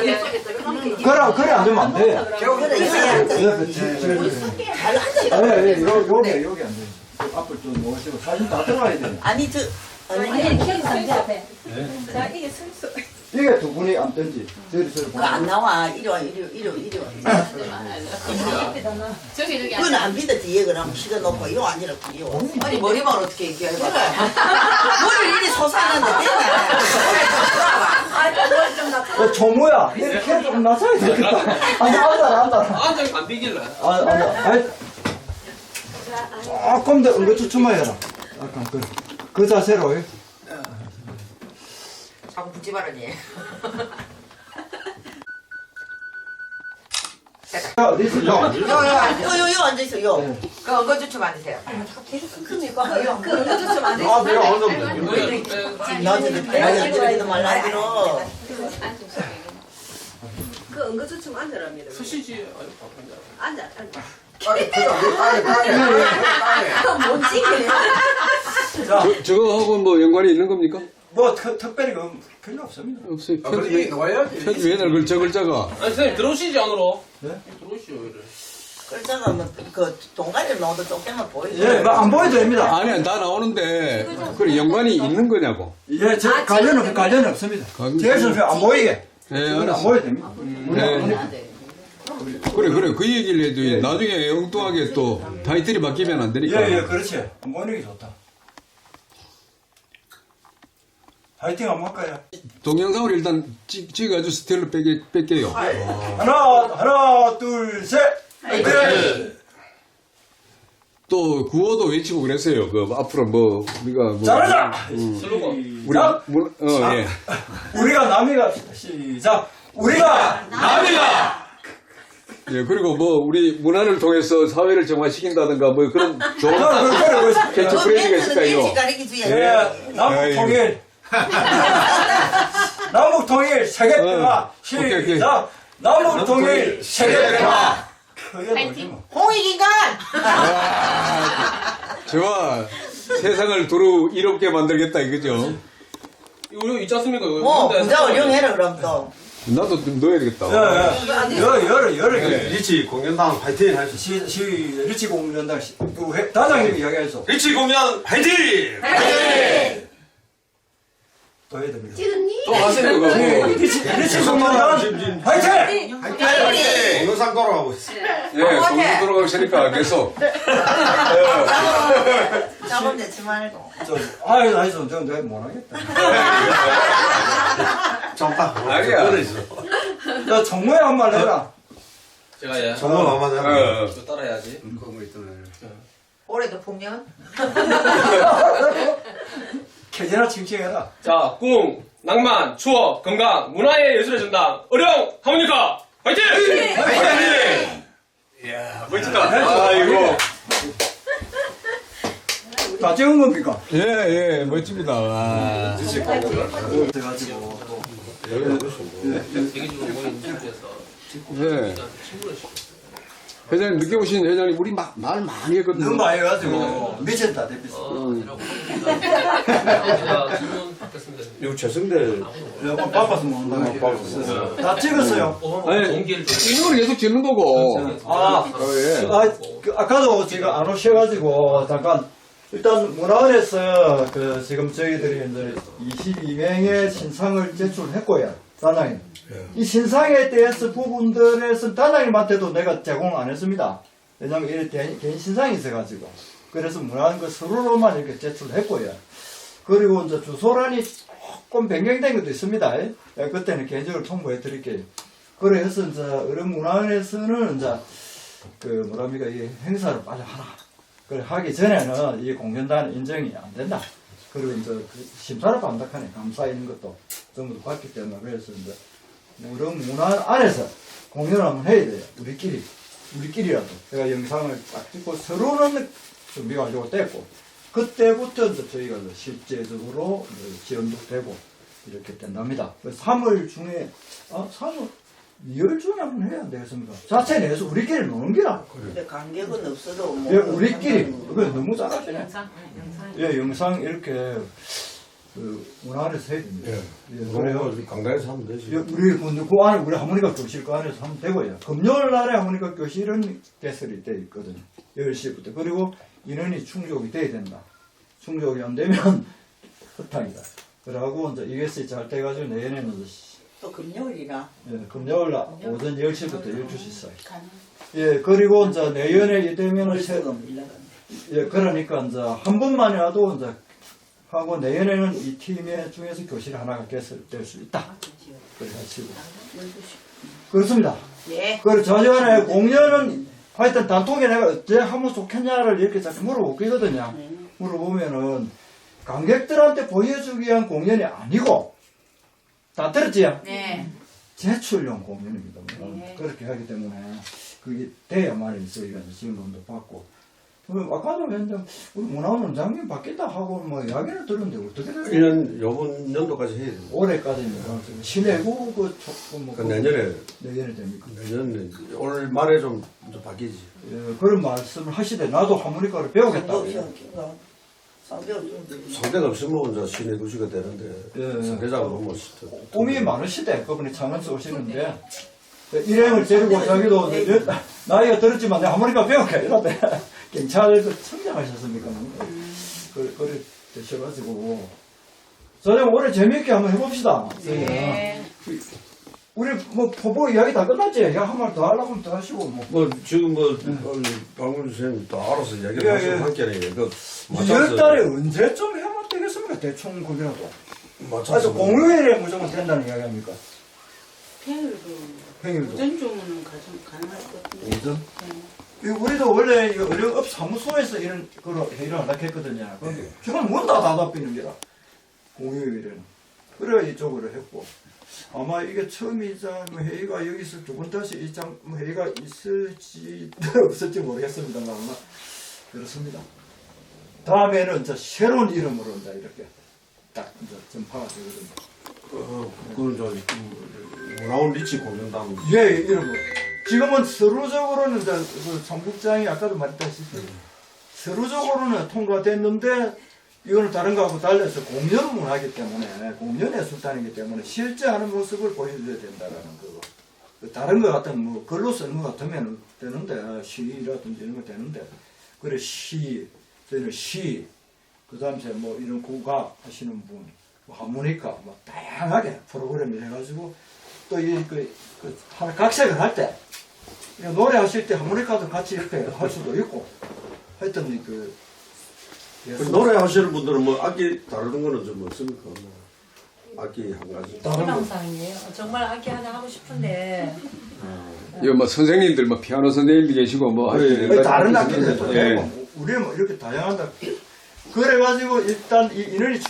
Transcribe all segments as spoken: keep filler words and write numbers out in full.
그래, 그래 안 되면 안 돼. 잘 앉았다. 예, 예, 요, 요게, 요게 안 돼. 앞을 좀 모시고 사진 다 들어가야 돼. 아니 저 아니, 아니 기억이 안 돼, 앞에. 자, 이게 순수. 이게 두 분이 앉든지, 저리 저리 그거 안 나와. 이리 와 이리 와 이리 와 이리 와. 저기, 저기. 그건 안 비다 뒤에 그럼 시간 놓고 이거 아니라 뒤에 와. 아니 머리만 어떻게 얘기해? 그래. 머리를 이리 솟아는데 되냐? 어, 조모야, 이렇게 좀 낮춰야 되겠다. 아니, 앉아라, 앉아라. 앉아 안 비길래. 아, 앉아. 아니, 조금 더 응급추춤만 해라. 약간 그, 그 자세로. 예. 자꾸 붙지 말아니. 자, 어디 있어? 요. 요요요 앉아 있어 요. 그 엉거주춤 앉으세요. 그니까 그 응급주춤 안 돼. 아, 내가 어느 정도. 나한테 많이 들어도 말라 들어. 그 응급주춤 앉으랍니다. 수시지. 앉아, 앉아. 그건 뭔지 자, 저, 저거하고 뭐 연관이 있는 겁니까? 뭐, 特, 특별히 그 별로 없습니다. 없어요. 아, 편집에, 편집에 옛날 글, 저 글자가. 아니 선생님 들어오시지 안으로. 네? 들어오시오 이래. 글자가 뭐그 동가리를 넣어도 조금만 보이죠. 예, 뭐 안 보여도 됩니다. 아니야, 다 나오는데, 그래, 연관이 있는 거냐고. 예, 저, 관련은, 관련이 없습니다. 관련- 제 선수 안 보이게. 네, 안 알았어. 보여도 됩니다. 네. 그래, 그래, 그 얘기를 해도 나중에 엉뚱하게 또 타이틀이 바뀌면 안 되니까. 예, 예, 그렇지. 안 보이는 게 좋다. 파이팅 한번 할까요? 동영상을 일단 찍, 찍어가지고 스틸로 뺄게, 뺄게요. 하나, 하나, 둘, 셋! 파이팅! 또 구호도 외치고 그랬어요. 그 앞으로 뭐 우리가 뭐 잘하자! 슬로건. 우리 자, 문, 어 예. 우리가 남이가, 시작! 우리가 남이가! 예, 그리고 뭐 우리 문화를 통해서 사회를 정화시킨다든가 뭐 그런 좋은 아, 그래, 그래, 그래. 캐치프레이즈가 있을까요? 가리키지. 예, 남북 통일. 남북 통일 세계 평화. 어, 오케이, 오케이. 시작! 남북 통일 세계 평화. 그게 뭐지 뭐. 홍익인간. 좋아. 세상을 두루 이롭게 만들겠다 이거죠. 이거 있지 않습니까? 이거 뭐 근데 부자 잠깐만요. 어룡해라 그럼 또. 나도 좀 넣어야 되겠다. 예, 예. 여, 여러, 여러 개. 리치 공연당 파이팅 할 수 있어. 시, 시, 리치 공연당 시, 그 회- 단장님이 이야기해서 리치 공연 파이팅! 또 해야 됩니다. 또 하세요 그거. 예, 리치, 리치 공연당 화이팅! 파이팅! 공연상 돌아가고 있어. 예, 공부 돌아가고 있으니까 계속. 잡음 내지 말고. 저, 아유, 나이스, 저, 내가 못하겠다. 정파. 아니야. 야, 정모에 한 말 해라. 제가 예. 정말 마음에 어, 들어. 어. 저 따라야지. 올해도 풍년. 캐제나 칭칭해라. 자, 꿈, 낭만, 추억, 건강, 문화의 예술의 전당, 어령, 하모니카, 파이팅! 파이팅! 이야, 멋지다. 아이고. 다 찍은 겁니까? 예, 예, 멋집니다. 와. 그래가지고, 또. 대기적으로 모인 친구에서 예. 회장님, 늦게 오신 회장님, 우리 마, 말 많이 했거든요. 너무 많이 해가지고, 미쳤다, 대피서. 제가 질문 받겠습니다. 이거 최승대. 여보, 바빠서 못 온다고. 다 찍었어요. 아니, 동기를 좀 찍는 걸 계속 찍는 거고. 아, 어, 예. 아, 그, 아까도 제가 안 오셔가지고, 잠깐, 일단 문화원에서 그 지금 저희들이 이제 이십이 명의 신상을 제출했고요, 단장님. 이 신상에 대해서 부분들에서 단장님한테도 내가 제공 안 했습니다. 왜냐면 이 개인, 개인 신상이 있어가지고. 그래서 문화원 그 서류로만 이렇게 제출했고요. 그리고 이제 주소란이 조금 변경된 것도 있습니다. 예, 그때는 개인적으로 통보해 드릴게요. 그래서 이제 어른 문화원에서는 이제 그 뭐랍니까 이 행사를 빨리 하라. 그래 하기 전에는 이 공연단 인정이 안 된다. 그리고 이제 그 심사를 반박하네. 감사 있는 것도 전부 다 봤기 때문에 그래서 이제 어른 문화원 안에서 공연을 한번 해야 돼요. 우리끼리 우리끼리라도. 제가 영상을 딱 찍고 서로는 준비가 완료가 됐고 그때부터 이제 저희가 이제 실제적으로 이제 지원도 되고 이렇게 된답니다. 삼월 중에 아 삼월 이월 중에 한번 해야 되겠습니까? 자체 내에서 우리끼리 노는 기라. 근데 간격은 없어도 뭐. 예, 우리끼리. 그거 너무 잘하시네. 영상, 영상. 예, 영상 이렇게 그 문화원에서 해야 됩니다. 예. 예, 그래요. 그래요. 강당에서 하면 되지. 예, 우리 그, 그 안에 우리 하모니카 교실 그 안에서 하면 되고요. 금요일 날에 하모니카 교실은 개설이 돼 있거든요. 열 시부터. 그리고 인원이 충족이 돼야 된다. 충족이 안 되면 헛탕이다. 그러고 이제 이것이 잘 돼가지고 내년에는 이제 또 금요일이라. 예, 금요일 날 오전 열 시부터 열두 시 사이. 예, 그리고 이제 내년에 이되면은 새, 예, 그러니까 이제 한 번만이라도 이제 하고 내년에는 이 팀의 중에서 교실 하나가 개설될 수 있다. 그래가지고 그렇습니다. 예. 그리고 저전에 공연은 하여튼 단톡에 내가 어째 하면 좋겠냐를 이렇게 자꾸 물어보거든요. 물어보면은 관객들한테 보여주기 위한 공연이 아니고 다 들었지요? 네. 제출용 공연입니다. 네. 그렇게 하기 때문에 그게 돼야만 저희가 지원금도 받고. 그 아까도 했는데 우리 문화원 원장님 바뀐다 하고 뭐 이야기를 들었는데 어떻게 돼요? 일 년 요번 연도까지 해야 돼. 올해까지입니다. 시내고 그 조금 뭐 그 내년에 내년에 됩니까? 내년 올 말에 좀, 좀 바뀌지. 예, 그런 말씀을 하시되 나도 하모니카를 배우겠다. 상대가 없으면 이제 시내 도시가 되는데 예. 상대자가 너무 꿈이 많으시대. 그분이 창원서 오시는데 일행을 데리고 자기도 이제 나이가 들었지만 내가 하모니카 배울게 이러대. 경찰에서 청장하셨습니까? 그, 그래 되셔가지고 저녁 올해 재미있게 한번 해봅시다. 네. 우리 뭐 포보 이야기 다 끝났지? 야, 한 말 더 하려고 하면 더 하시고 뭐. 뭐 지금 뭐 박문주 선생님 또 알아서 이야기를 예, 하시고 예. 함께네. 그 이월 달에 언제쯤 하면 되겠습니까? 대충 그이라도 맞춰서 아주 공휴일에 무조건 된다는 이야기 아닙니까? 평일도 평일도. 오전 주문은 가정 가능할 것 같은데. 오전? 이 우리도 원래 이 의료업 사무소에서 이런 거로 회의를 하려고 했거든요. 근데 지금 문 다 닫아비는 게라. 공휴일에는. 그래 이쪽으로 했고. 아마 이게 처음이자 뭐 회의가 여기서 두 번 다시 이장 뭐 회의가 있을지 없을지 모르겠습니다만 아마 그렇습니다. 다음에는 이제 새로운 이름으로 이제 이렇게 딱 이제 전파가 되거든요. 어, 그건 저 문화원 리치 공연단. 예, 이런 거. 지금은 서류적으로는 이제 그 정국장이 아까도 말했다시피 서류적으로는 통과됐는데 이거는 다른 거하고 달라서 공연을 하기 때문에 공연의 수단이기 때문에 실제 하는 모습을 보여줘야 된다라는 거고 다른 거 같은 뭐 글로 쓰는 거 같으면 되는데 시라든지 이런 거 되는데 그래 시 저희는 시 그다음에 뭐 이런 국악 하시는 분 뭐 하모니카 뭐 다양하게 프로그램을 해가지고 또 이 그 그 하나 각색을 할 때 노래하실 때 하모니카도 같이 이렇게 할 수도 있고 하여튼 그 그 노래 하시는 분들은 뭐 악기 다루는 거는 좀 없습니까? 뭐 악기 한 가지. 희망상이에요. 정말 악기 하나 하고 싶은데 이거 뭐 선생님들 뭐 피아노 선생님도 계시고 뭐 네, 하여튼 아니, 다른 악기들도 예. 되고 우리 뭐 이렇게 다양하다. 그래가지고 일단 이 인원이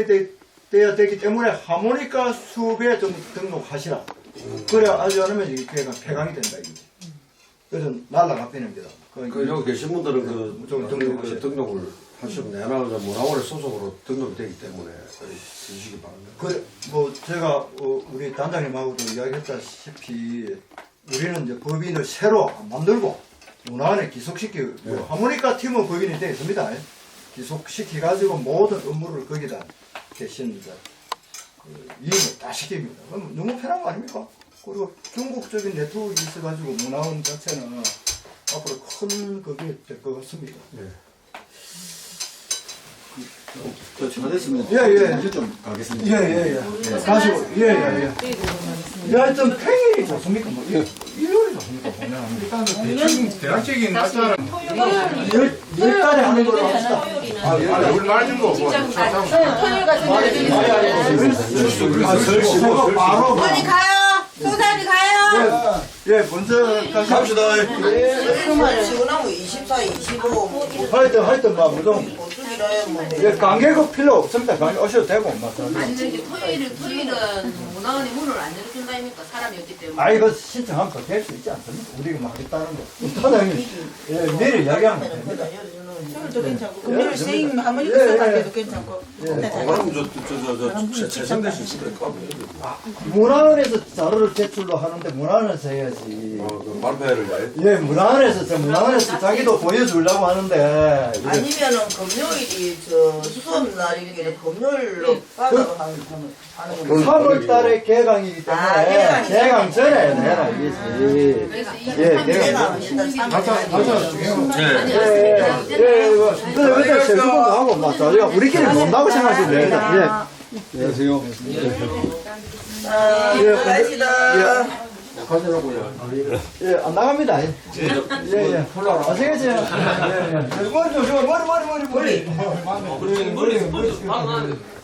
충족돼야 되기 때문에 하모니카 수업에 좀 등록하시라. 그래 하지 않으면 이게 폐강, 폐강이 된다 이거지. 그래서 날라가 빼는 게다. 그 여기 계신 분들은 그, 좀 그, 등록하셔야 그 등록을 하시면 내나 문화원의 소속으로 등록이 되기 때문에 해주시기 바랍니다. 그, 뭐, 제가, 어, 우리 단장님하고도 이야기했다시피, 우리는 이제 법인을 새로 만들고, 문화원에 기속시키고, 뭐 하모니카 팀은 법인이 되어 있습니다. 기속시켜가지고 모든 업무를 거기다 대신 이제, 그, 이행을 다 시킵니다. 그럼 너무 편한 거 아닙니까? 그리고 중국적인 네트워크가 있어가지고, 문화원 자체는 앞으로 큰 그게 될 것 같습니다. 네. 저 됐습니다. 예, 예. 이제 좀 가겠습니다. 예, 예, 예. 가시고, 예, 예, 예. 야, 하여튼 평일이 좋습니까? 뭐, 일- 일요일이 좋습니까? 공연하는 게. 일단은 대충 대략적인 날짜는 열, 열 달에 하는 걸로 합시다. 아, 우리 말좀 거 뭐. 토요일 같은 아, 설치고 바로. 뭐. 빨리 가요. 소장님 가요. 예, 예, 먼저 가시 갑시다. 그러면 지원하고 이십사, 이십오, 뭐, 하여튼, 하여튼, 막, 무슨, 보충이라 해, 뭐. 예, 관계가 필요 없습니다. 관계 오셔도 되고, 막. 아니 저기 토요일은 토요일은 문화원이 문을 안 열어준다니까 사람이 없기 때문에. 아, 이거 신청하면 될 수 있지 않습니까? 우리가 막 하겠다는 거. 사장님, 예, 미리 이야기하면 됩니다. 열어주는 저도 괜찮고 금요일 예, 선생님 예, 하모니카 예. 써갈 때도 괜찮고. 예. 그럼 저저저저 재생될 수 있을 것 같아요. 문화원에서 자료를 제출로 하는데 문화원에서 해야지. 어, 그 발표회를 해. 예, 문화원에서 저 문화원에서 자기도 보여주려고 하는데 이게 아니면은 금요일이 저 수업 날이길래 금요일로 받아서 하는 하는 거. 삼월 달에 개강이기 때문에 아, 개강이 개강 전에 해라 이게. 그래서 이 예, 삼 내가 일에는 일단 신중히 삼 맞아, 일 맞아. 아니, 예, 예, 예, 이거 근데 그때 세수도 하고 막 저희가 우리끼리 논다고 생각하시면 됩니다. 안녕하세요. 자, 예, 들어가시다. 가져라고요. 예, 예, 안 나갑니다. 예, 예, 예. 아시겠죠? 예, 예. 머리 좀, 머리, 머리, 머리, 머리. 머리 머리 머리 방안